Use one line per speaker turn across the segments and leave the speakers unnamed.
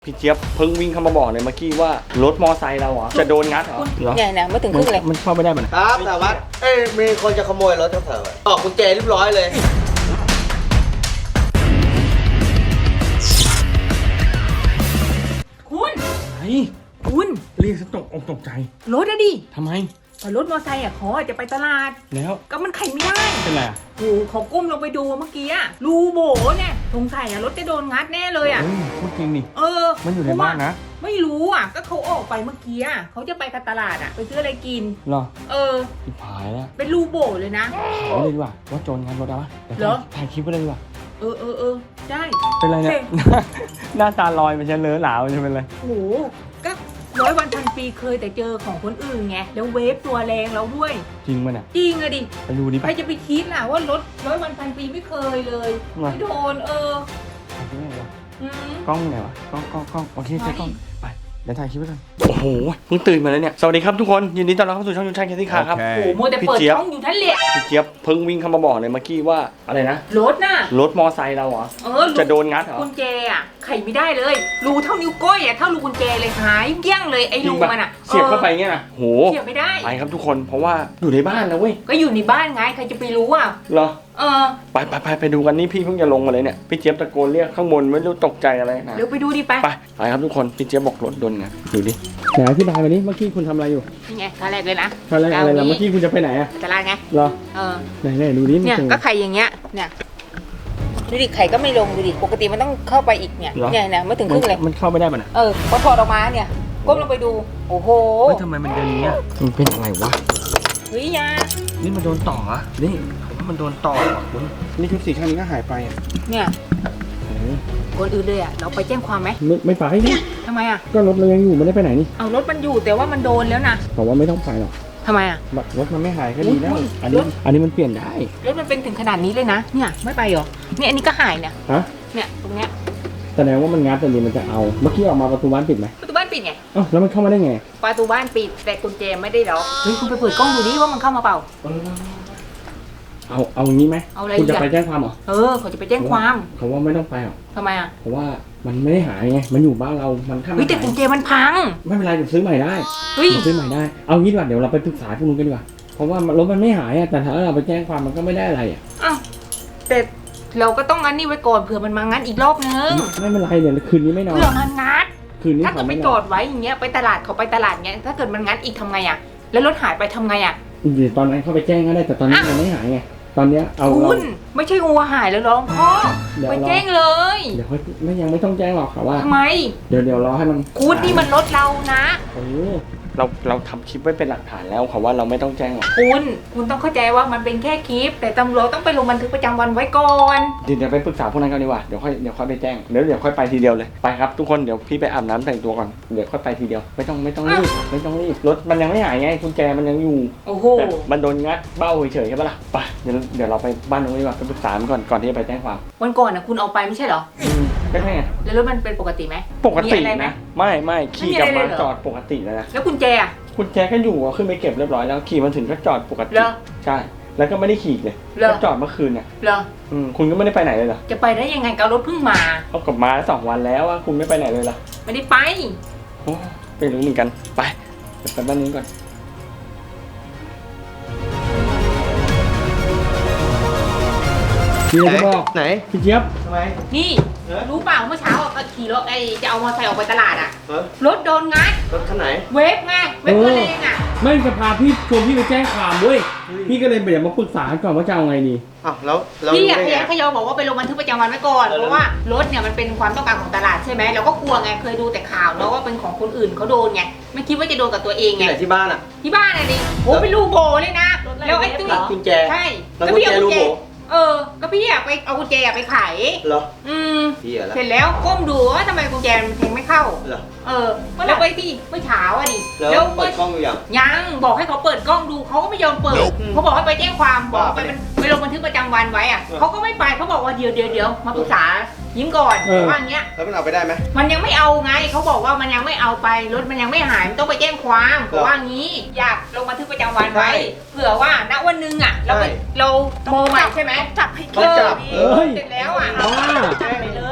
พี่เจี๊ยบเพิ่งวิ่งเข้ามาบอกเลยเมื่อกี้ว่ารถมอไซค์เราเหรอจะโดนงัดเหรอ
เนี่ยไม่ถึงครึ่งเลย
มันเข้าไม่ได้มัน
ครับแต่ว่ามีคนจะขโมยรถเขาเถอะออกกุญแจเรียบร้อยเลย
คุณ
ไอ้
คุณ
เรียกฉันตกอกตกใจ
รถอะดิ
ทำไม
รถมอไซค์อะเขาจะไปตลาด
แล้ว
ก็มันไขไม่ได้
เป็นไร
โอ้เขาก้มลงไปดูเมื่อกี้อะรูโบเนี่ยสงสัยอะรถจะโดนงัดแน่เลยอะ
พูดจริงนี่
มัน
อยู่ในบ้านนะ
ไม่รู้อะก็เขาออกไปเมื่อกี้อะเขาจะไปตลาดอะไปซื้ออะไรกิน
หรอ
ผิด
ผายแล้ว
เป็นรูโบเลยนะ
ขอเลยดีกว่าว่าโจรงัดรถเอาวะเหรอถ่ายคลิปไว้เลยดีกว่า
ได้
เป็นไรเนี่ยหน้าตาลอยมันจะเลอะหลามันจะเป็นไร
โอ้ก็100 วันพันปีเคยแต่เจอของคนอื่นไงแล้วเวฟตัวแรงเราด้วย
จริงมั้ยเนี่ย
จริงอะดิ
ไปดูดิ
ใครจะไปคิดล่ะว่ารถ100 วันพันปีไม่เคยเลยไม่โดน
กล้องไหนวะกล้องโอเคใช้กล้องไปเดี๋ยวถ่ายคลิปไว้ก่อนโอ้โหเพิ่งตื่นมาแล้วเนี่ยสวัสดีครับทุกคนยินดีต้อนรับเข้าสู่ช่องยูนชัยแคสซี่คาร์ครับ
โอ้โหมัวแต่เปิดช่องอยู่ท่านเละ
พี่เจี๊ยบเพิ่งวิ่งเข้ามาบอกเลยเมื่อกี้ว่าอะไรนะ
รถน่ะ
รถมอไซค์เราเหรอจะโดนงัดเหรอ
กุญแจอะไขไม่ได้เลยรูเท่านิ้วก้อยอะเท่ารูกุญแจเลยหายเกี้ยงเลยไอ้รูมันอะ
เสียบเข้าไปเงี้ยนะโห
เสียบไม่ได้
ไปครับทุกคนเพราะว่าอยู่ในบ้านนะเว้ย
ก็อยู่ในบ้านไงใครจะไปรู้อะ
เหรอไปดูกันนี่พี่เพิ่งจะลงมาเลยเนี่ยพี่เจี๊ยบตะโกนเรียกข้างบนไม่รู้ตกใจอะไรนะ
เดี๋ยวไปดูดิ
ไปครับทุกคนพี่เจี๊ยบบอกรถโดนงัดดูดิไหนอธิบายมาดิเมื่อกี้คุณทำอะไรอยู่
นี่ไงท่าแรกเลยนะ
ท่าแรกอะไรล่ะเมื่อกี้คุณจะไปไหนอะ
ตลาดไง
เหรอไหนดูดิ
เนี่ยก็ไข่อย่างเงี้ยเนี่ยดูดิไข่ก็ไม่ลงดูดิปกติมันต้องเข้าไปอีกเนี่ยไม่ถึงครึ่งเลย
มันเข้าไม่ได้มัน
พอถอดออกมาเนี่ยก้มลงไปดูโอ้โห
ทำไมมันเดินอย่างเงี้ยมันเป็นอะไรวะ
เฮ้ยยา
นี่มันโดนต่ออ่ะนี่มันโดนต่อคุณนี่ชุดสีข้างนี้ก็หายไปอ่ะ
เนี่ยคนอื่นเลยอ่ะเราไปแจ้งความไหม
ไม่ไปนี่
ทำไมอ่ะ
ก็รถเรายังอยู่ไม่ได้ไปไหนนี่
เอารถมันอยู่แต่ว่ามันโดนแล้วนะ
แต่ว่าไม่ต้องไปหรอก
ทำไมอ่ะ
รถมันไม่หายก็ดีแล้วอันนี้มันเปลี่ยนได้
รถมันเป็นถึงขนาดนี้เลยนะเนี่ยไม่ไปหรอเนี่ยอันนี้ก็หายเนี่ยเนี่ยตรงเนี้ย
แสดงว่ามันงัดแต่นี้มันจะเอาเมื่อกี้ออกมาประตูบ้านปิดไหม
ประตูบ้านปิดไง
แล้วมันเข้ามาได้ไง
ประตูบ้านปิดแต่กุญแจไม่ได้ล็อกเฮ้ยคุณไปเปิดกล้องดูดิว่ามันเข้ามาเปล่า
เอางี้ไหมคุณจะไปแจ้งความเหรอ
เขาจะไปแจ้งความ
เขาว่าไม่ต้องไปหรอก
ทำไมอ่ะ
เพราะว่ามันไม่ได้หายไงมันอยู่บ้านเรามันข้าม
แต่กุญแจมันพัง
ไม่เป็นไรเดี๋ยวซื้อใหม่ได้ซื้อใหม่ได้เอางี้ดีกว่าเดี๋ยวเราไปปรึกษาพวกนู้นกันดีกว่าเพราะว่ารถมันไม่หายแต่ถ้าเราไปแจ้งความมันก็ไม่ได้อะไร
แต่เราก็ต้องงั้นนี่ไว้ก่อนเผื่อมันมางั้นอีกรอบนึง
ไม่เป็นไรเดี๋ยวคืนนี้ไม่นอน
เผื่อมันงัด
คืนนี้
ถ้าเกิดไปจอดไว้อย่างเงี้ยไปตลาดเขาไปตลาดเงี้ยถ้าเกิดมันงัดอีกทำไงอ่ะแล้วรถหายไปทำไงอ่ะ
เดี๋ยวตอนนั้นเขาไปแจ้งก็ได้แต่ตอนนี้มันไม่หายไงตอนนี้เอา
คุณไม่ใช่งัวหายแล้วร้องพ่อไปแจ้งเลย
เดี๋ยวยังไม่ต้องแจ้งหรอกค่ะว่า
ทำไม
เดี๋ยวรอให้มัน
คุณนี่มันรถเรานะ
เราทำคลิปไว้เป็นหลักฐานแล้วค่ะว่าเราไม่ต้องแจ้งหรอก
คุณต้องเข้าใจว่ามันเป็นแค่คลิปแต่ตำรวจต้องไปลงบันทึกประจำวันไว้ก่อน
เดี๋ยวไปปรึกษาพวกนั้นกันดีกว่าเดี๋ยวค่อยไปแจ้งเดี๋ยวค่อยไปทีเดียวเลยไปครับทุกคนเดี๋ยวพี่ไปอาบน้ำแต่งตัวก่อนเดี๋ยวค่อยไปทีเดียวไม่ต้องรีบรถมันยังไม่หายไงกุญแจมันยังอยู่แต่มันโดนงัดเบ้าเฉยๆใช่ปะล่ะไปเดี๋ยวเราไปบ้านนู้นดีกว่าไปปรึกษาก่อนที่จะไปแจ้งความ
วันก่อนนะคุณเอาไปไม่ใช่เหรอ
ก็ใช่ไง
แล้วรถมันเป็นปกติไหม
ปกตินะไม่ขี่กลับมาจอดปกติแล้วนะ
แล้วกุญแจ
กุญแจก็อยู่ขึ้นไปเก็บเรียบร้อยแล้วขี่มาถึงก็จอดปกติใช่แล้วก็ไม่ได้ขี่เลยก็จอดเมื่อคืนเนี่ยคุณก็ไม่ได้ไปไหนเลยเหรอ
จะไปได้ยังไงก็รถเพิ่งมา
เขากลับมา2 วันแล้วว่าคุณไม่ไปไหนเลยเหรอ
ไม่ได้ไป
ไปรู้เหมือนกันไปเดี๋ยวไปบ้านนี้ก่อนพี่จะบอก
ไหน
พี่เจี๊ยบ
ทำไม
นี่รู้เปล่าเมื่อเช้าขี่รถจะเอามอเตอร์ไซค์ออกไปตลาดรถโดนงัด
รถคันไหน
เวฟไงเวฟตัวเอง
ไม่จะพาพี่ชวนพี่ไปแจ้งความด้วยพี่ก็เลยเดี๋ยวมาปรึกษาก่อนว่าจะเอาไงดี
แล้ว
พี่ขยอบอกว่าไปลงบันทึกประจำวันไว้ก่อนเพราะว่ารถเนี่ยมันเป็นความต้องการของตลาดใช่ไหมเราก็กลัวไงเคยดูแต่ข่าวเนาะว่าเป็นของคนอื่นเขาโดนไงไม่คิดว่าจะโดนกับตัวเองไง
ที่บ้าน
ที่บ้านดิโอ้เป็นลูกโบเลยนะแล้วไอ้ตุ้ย
กุญแจ
ใช่
แล้วกุญแจลูกโบ
ก็พี่ไปเอากุญแจไปขาย
เหรอ
เสร็จแล้วก้มดูว่าทำไมกุญแจมันแทงไม่เข้า
เหรอ
แล้วไปที่เมื่อเช้าดิ
แล้วเปิดกล้องอยู่
ยังบอกให้เขาเปิดกล้องดูเขาก็ไม่ยอมเปิดเขาบอกให้ไปแจ้งความบอกไปลงบันทึกประจำวันไว้เขาก็ไม่ไปเขาบอกว่าเดี๋ยวมาปรึกษายิ้มก่อนว่าอย่างเงี้ย
แล้วมันเอาไปได้ไหม
มันยังไม่เอาไงเขาบอกว่ามันยังไม่เอาไปรถมันยังไม่หายมันต้องไปแจ้งความว่างี้อยากลงบันทึกประจำวันไว้เผื่อว่าณวันนึงเราโมใหม่ใช่ไหม
จับให้
เสร็จแล้วแจ้งไปเลย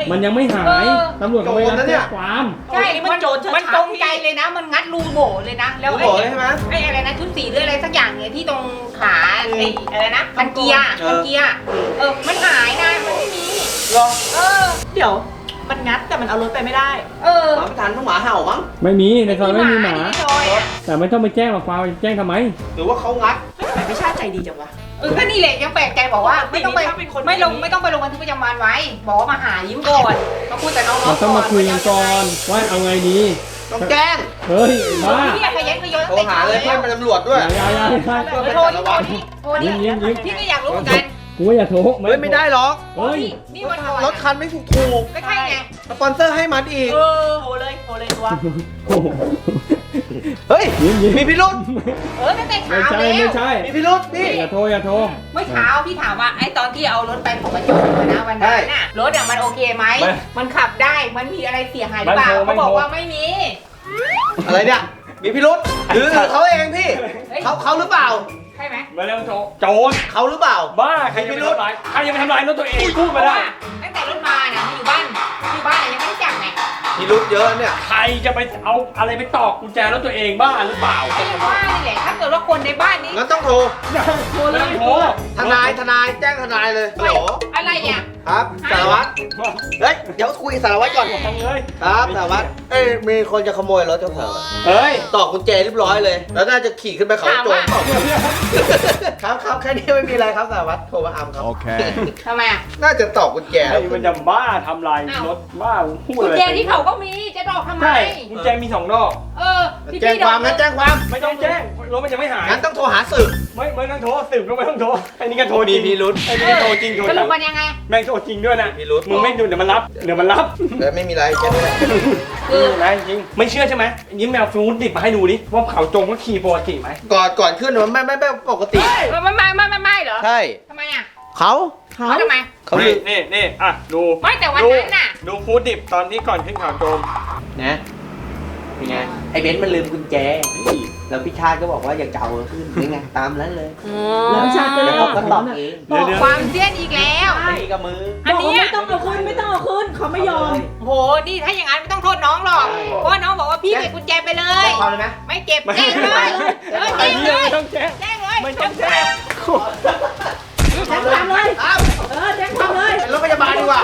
มันยังไม่หายตำรวจก็ไม่รับแจ้งความ
ใช่
มันโจรชัดๆ
มันตรงใจเลยนะ มันงัดรูโบเลยนะ แล้ว
รู้บอกเลยใช่ไหม
ไอ้อะไรนะชุดสีหรืออะไรสักอย่างเนี่ยที่ตรงขาไอ้อะไรนะคันเกียร์มันหายนะมันไม่มี
รอ
เดี๋ยวมันงัดแต่มันเอารถไปไม่ได้
หมาไม่ทันต้องหมาเห่ามั้ง
ไม่มีในซอยไม่มีหมา
ในซอยอะ
แต่ไม่ต้องไปแจ้งหรอกความแจ้งทำไม
หรือว่าเขางัด
ทำไมพี่ชาติใจดีจังวะ
ก็นี่แหละยังแปลกใจบอกว่าไม่ต้องไป
ถ้าเป็นคน
ไม่ต้องไปลงบันทึกประจำวันไว้ บอกว่ามาหายิ้มก่อนมาคุยกับน้องๆ
มันต้องมาคุยกันก่อนว่าเอาไงดี
ต้องแจ้ง
เฮ้ยบ้า
พี่ขยันขยน
โทรหาเลยเพื่อนเป็นตำรวจด้วย
อย่า
โทรนี่พี่ก็อยากรู้เหมือนกัน
กูว่าอย่าโทร
เฮ้ยไม่ได้หรอก
เฮ้ย
นี่วันก่อน
รถคันไม่ถูก
ก็ใช่ไง
สปอนเซอร์ให้มันอีก
โทรเลยตัว
โอ้โห
เฮ้ย มีพิรุษ
ตั้งแต่
ไม่
เช้า
ใช่
แล้ว
ไม่ใช่
มีพิรุษพี่
อย่าโทรอย่าโทร
เมื่อเช้าพี่ถามว่าไอ้ตอนที่เอารถไปของประจวบนะวันนั้นน่ะรถอ่ะมันโอเคไหมมันขับได้มันมีอะไรเสียหายหรือเปล่าเขาบอกว่าไม่มี
อะไรเนี่ย มีพิรุษหรือเขาเองพี่ เขาหรือเปล่า
ใช่ไหม
มาเร็วโทรโจร
เขาหรือเปล่า
บ้าใครจะไปทำลายใครจะไปทำลายรถตัวเองพูดมาได้
ตั้งแต่รถมาเนี่ยมันอยู่บ้านยังไม่ได้จับไง
พิรุษเยอะเนี่ย
ใครจะไปเอาอะไรไปตอกกุญแจรถตัวเองบ้าหรือเปล่า
ไอ้ว่านี่แหละถ้าเกิดว่าคนในบ้านนี้
งั้นต้องโทร
โทรเลยโทร
ทนายแจ้งทนายเลยฮัลโหล
อะไรอ่ะ
ครับสารวัตรเฮ้ยเดี๋ยวคุยกับสารวัตรก่อน
ทำเลย
ครับสารวัตรมีคนจะขโมยรถเจ้าของ
เฮ้ย
ต่อกุญแจเรียบร้อยเลย แล้วน่าจะขี่ขึ้นไปเขาโจรเปล่าครับแค่นี้ไม่มีอะไรครับสารวัตรโทรมาอัมครับ
ทำไมอ่ะ
น่าจะต่อกุญแจ
ไอ้มันจะบ้าทำลายรถบ้าพูด
กุญ
อะไร
แจที่เขาก็มีจะดอกทำไม
ใช่กุญแจมี2 ดอก
ที่
แจ้งความงั้นแจ้งความ
ไม่ต้องแจ้งรถมันยังไม่หาย
งั้นต้องโทรหาสืบ
ไม่ต้องโทรสืบก็ไม่ต้องโทรไอ้นี่ก็โทรจริง
มีพิรุธ
ไอ้นี่ก็โทรจริงโทร
ส
จ
รุ
ริ
ป
ง
มันยังไง
แม่งโทรจริงด้วยนะ
มีพิรุธ
มึงไม่ดูเดี๋ยวมันรับ
แล้วไม่มีอะไรแค่นี้แหละ
คือนะจริงไม่เชื่อใช่ไหมยิ้มแมวฟูดดิบมาให้ดูดิว่าเขาจงก็ขี่ปกติไหม
ก่อนขึ้นมันไม่ปกติ
ไม่เหรอ
ใช่
ทำไมอ่ะ
เขา
เขาทำไม
เขา
นี่อ่ะดู
ไม่แต่วันนั้นน่ะ
ดูฟูดดิบตอนที่ก่อนขึ้นเขาโจม
นะเป็นไงไอ้เบนซ์มันลืมกุญแจแล้วพี่ชาติก็บอกว่าอย่าเก่าขึ้นนี่ไงตามนั้นเลย
แล้วชาติก็เลย
แล้ว
อ
เขา
อก
ก็
มา
ต
ต
อ
อ
บบ เอง
เดี๋ยว
ความเสี้ยนอีกแล้ว
ตีกับมือ
อัน
บอก
เนี้
ว่าย ไม่ต้องเอาคืนเขาไม่ยอม
โหนี่ถ้าอย่างนั้นไม่ต้องโทษน้องหรอกเพราะว่าน้องบอกว่าพี่เก็บกุญแจไปเลย
แจ้งความเลยไหม
ไม่เก็บ
ไม่
แจ้งเลยแจ้งเลย
ไม่ต้องแจ้ง
แจ้งเลย
ไม่ต้องแจ้ง
แจ้งความเลย
อ้าว
แจ้งความเลย
เป็นรถพยาบาลดีกว่า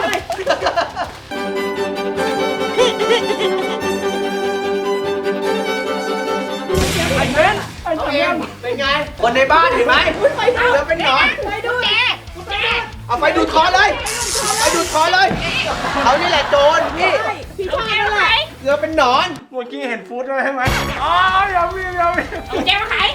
ไอ้เบนไอ้
เอา
เบ
เอง
น
เป็นไง คนในบ้านเห็นไหม
ไปดู
เดี๋ยวเป็นหนอน
ไปดู
แจ้ง
เอาไปดูดคอเลยไปดูดคอเลย เขานี่แหละโจรพี่
พี่ชาตินั่นแหละ
เกือเป็นหนอน
เมื่อกี้เห็นฟูดด้วยใช่ไหมอ๋ออย่าวิ่ง
แจ้งมาขาย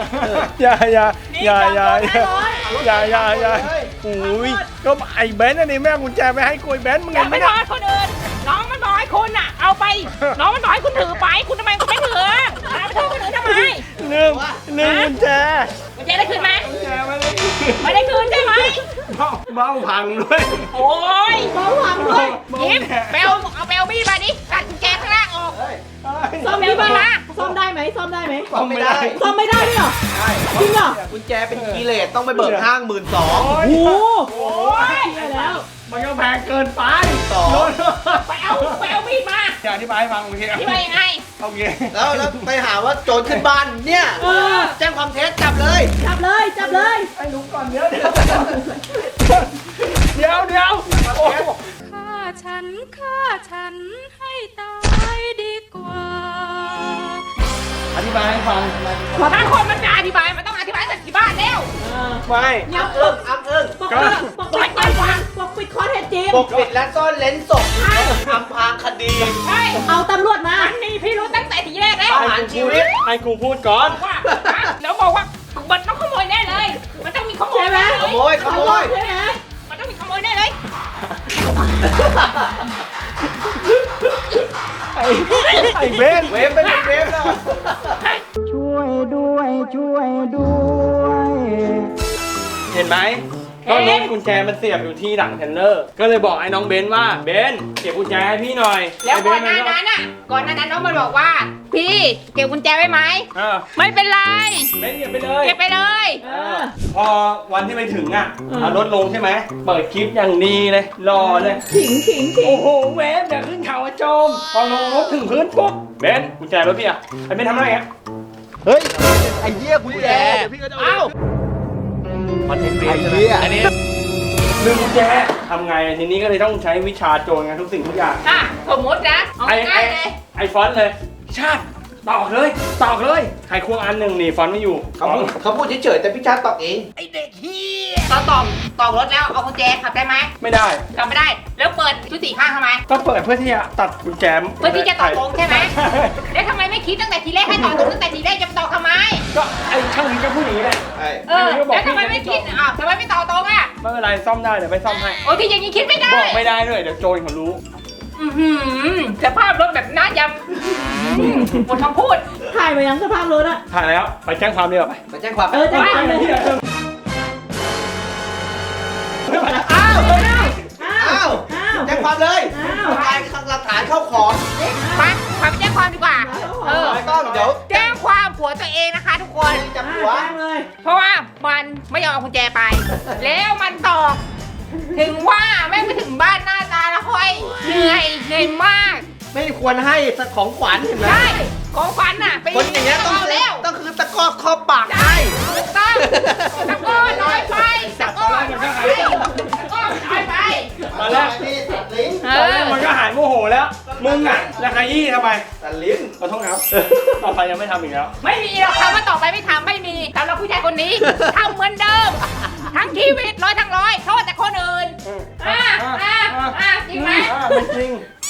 อย่าโอ้ยก็ไอ้เบนอันนี้แม่กุญแจไม่ให้กูไอ้เบนมึง
อ
เห็
ย่าน
ไหม
ไป
เนี่ย
ทอดคนอื่นน้องมันบอกให้คุณอ่ะ เอาไป น้องมันบอกให้คุณถือไป คุณทำไมคุณไม่ถือเอาไปโทษคนอื่นทำไม
ลืมกุญแจ
มันจะได้คืนไหม
กุญแจไม่ได้
ไม่ได้คืนใช่ไหม
เบ้าพังด้วย
โอ้ย
เบาหวังด้วย
ยิ้มเบลเอาเบลบี้มาดิกัดกุญแจข้างล่างออก
ซ่อมได้ไหมซ่อมได้ไหมซ่อมได้ไหม
ซ่อมไม่ได้
ซ่อมไม่ได้ด้วยเหรอ
ใช่
จริงเหรอ
กุญแจเป็นคีย์เลสต้องไปเบิกห้าง12,000
โอ้โห
โอ้ย
เชี่ยแล้ว
มันก็แพงเกินไป
ไปเอามีดมา
อย่าอธิบายให้ฟังโอเค
ที่ว่ายังไง
โอเค
แล้วไปหาว่าโจรขึ้นบ้านเนี่ย แจ้งความเท็จจับเลย
จับเลยจับเลย
ไอ้ลุงก่อนเดี๋ยวโอ้
ฆ่าฉันให้ตายดีกว่า
อธิบายให้ฟัง
ถ้าคนมันจะอธิบายมันต้องอธิบายจากที่บ้านแล้ว
ไม่
อัพเอิงอัพเอิง
ปกปิดปกปิดข้อเท็จจริง
ปกปิดและซ่อนเลนศพอำพรางคดี
ใช่
เอาตำรวจมา
มันมีพี่รู้ตั้งแต่ทีแรกแล้ว
ประหารชีวิต
ให้กูพูดก่อน
ว่าแล้วบอกว่ามันต้องขโมยแน่เลย มันต้องมีขโมย
ใช่ไหม
ขโมยขโมย
ใช่ไหม
มันต้องมีขโมยแน่เลย
ไอ้เบน
เวฟเป็นเวฟแล้ว
เห็นไหมก็รถกุญแจมันเสียบอยู่ที่หลังเทรลเลอร์ ก็เลยบอกไอ้น้องเบนว่าเบนเก็บกุญแจให้พี่หน่อย
แล้ว
ไเบ
ก่อนห
มั
น้านั้นอ่ะก่อนหน้านั้นน้องมันบอกว่า พี่เก็บกุญแจไว้ไหม
เออ
ไม่เป็นไร
เบนเก็บไปเลย
เก็บไปเลย
เออ
พอวันที่ไปถึงอ่ะ
อืม
เอารถลงใช่ไหมเปิดคลิปอย่างดีเลยรอเลย
ขิงขิงขิง
โอ้โหเวฟอย่าขึ้นเขาอะโจมพอลงรถถึงพื้นปุ๊บเบนกุญแจรถพี่อะไอ้เบนทำอะไรอะ
เฮ้ย ไอ้เหี้ยกูแย่เดี๋ยวพี่ก็จะเอาคอนเทนต์เบสใช่ไหมอันนี้
ลืมกุญแจทำไงทีนี้ก็เลยต้องใช้วิชาโจรไงทุกสิ่งทุกอย่าง
อ่ะสมมตินะเอาง่ายๆเลย
ไอฟอนต์เลย ชาติตอกเลยไขควงอันหนึ่งนี่ฟอนต์ไม่อยู่
เขาพูดเฉยๆแต่พี่ชาติตอบเอง
ตอนตอบรถแล้วเอากุญแจขับได้ไหม
ไม่ได้
ขับไม่ได้ แล้วเปิดชุดสี่ข้างทำไม
ก็เปิดเพื่อที่จะตัดกุญแจ
เพื่อที่จะต่อตรงใช่ไหม แล้วทำไมไม่คิดตั้งแต่ทีแรกให้ต่อตรงตั้งแต่ทีแรกจะมาต่อทำไม
ก็ไอช่างนี้ก็พูดอย่างนี้แหละ
เออแล้วทำไมไม่คิดอ่ะทำไมไม่ต่อตรงอ่ะ
ไม่เป็นไรซ่อมได้เดี๋ยวไปซ่อมให้
โอ้ที่อย่างนี้คิดไม่ได้
บอกไม่ได้ด้วยเดี๋ยวโจรเขารู้
อื้อหือสภาพรถแบบน่ายำหมดคำพูด
ถ่ายมายังสภาพรถอะ
ถ่ายแล้วไปแจ้งความดีกว่าไป
มาแจ้งความ
เออจะถ่ายเลย
อ้าว
อ้าว
อ้าว
อ้าว
แจ้งความเลย
อ้าว
การหลักฐานเข้าของ
ไปแจ้งความดีกว่า เออ
ไม่ต้องเดี๋ยว
แจ้งความผัวตัวเองนะคะทุกคน
จับหัว
แจ้งเลย
เพราะว่ามันไม่ยอมเอากุญแจไป แล้วมันตอกถึงว่าแม่งไปถึงบ้านหน้าตาละห้อยเหนื่อยมาก
ไม่ควรให้ของขวัญเห็นไหม
ใช่ของขวัญน่ะไป
คนอย่างเงี้ยต้อง
เอาแล้ว
ต้องคือตะกอบคอบปาก
ใช่
ให้
ถูกต้องตะโกนน้อยไปตะโกนน้อยไปตะโกนน้อยไป
ตอนแรก
นี่ตัดลิ้น
เอ
ตอนแร
อก
มันก็หายโมโหแล้ว มึงอ่ะแล้วขยี้ทำไม
ตัดลิ้น
ขอโทษครับ ต่อไปยังไม่ทำอีกแล้ว
ไม่มีหรอกคำว่าต่อไปไม่ทำไม่มีสำหรับผู้ชายคนนี้ทำเหมือนเดิม ทั้งชีวิตทั้งร้อยโทษแต่คนอื่นจริงไหม
ไม่จริง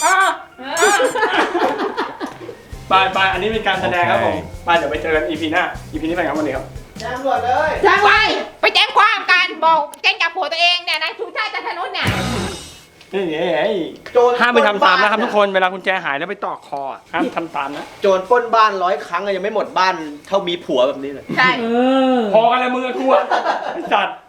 ไปอันนี้เป็นการแสดงครับผมไปเดี๋ยวไปเจอกัน EP หน้า EP นี้ไปครับวันนี้ครับ
แจ้งตำรวจเลย
แจ้ง
ไป
ไว้
ไปแจ้งความกันบอกแจ้งจับผัวตัวเองเนี่ยนายชูชาติจันทนุษเนี่ย
โจร
ห้ามไปทำตามนะครับทุกคน เวลากุญแจหายแล้วไปต่อคอห้ามทำตามนะ
โจรปล้นบ้าน100 ครั้งอะยังไม่หมดบ้านเท่ามีผัวแบบนี้เลย
ใช่
เออ
พอกันเลยมึงกับกูอะไอ้สัตว์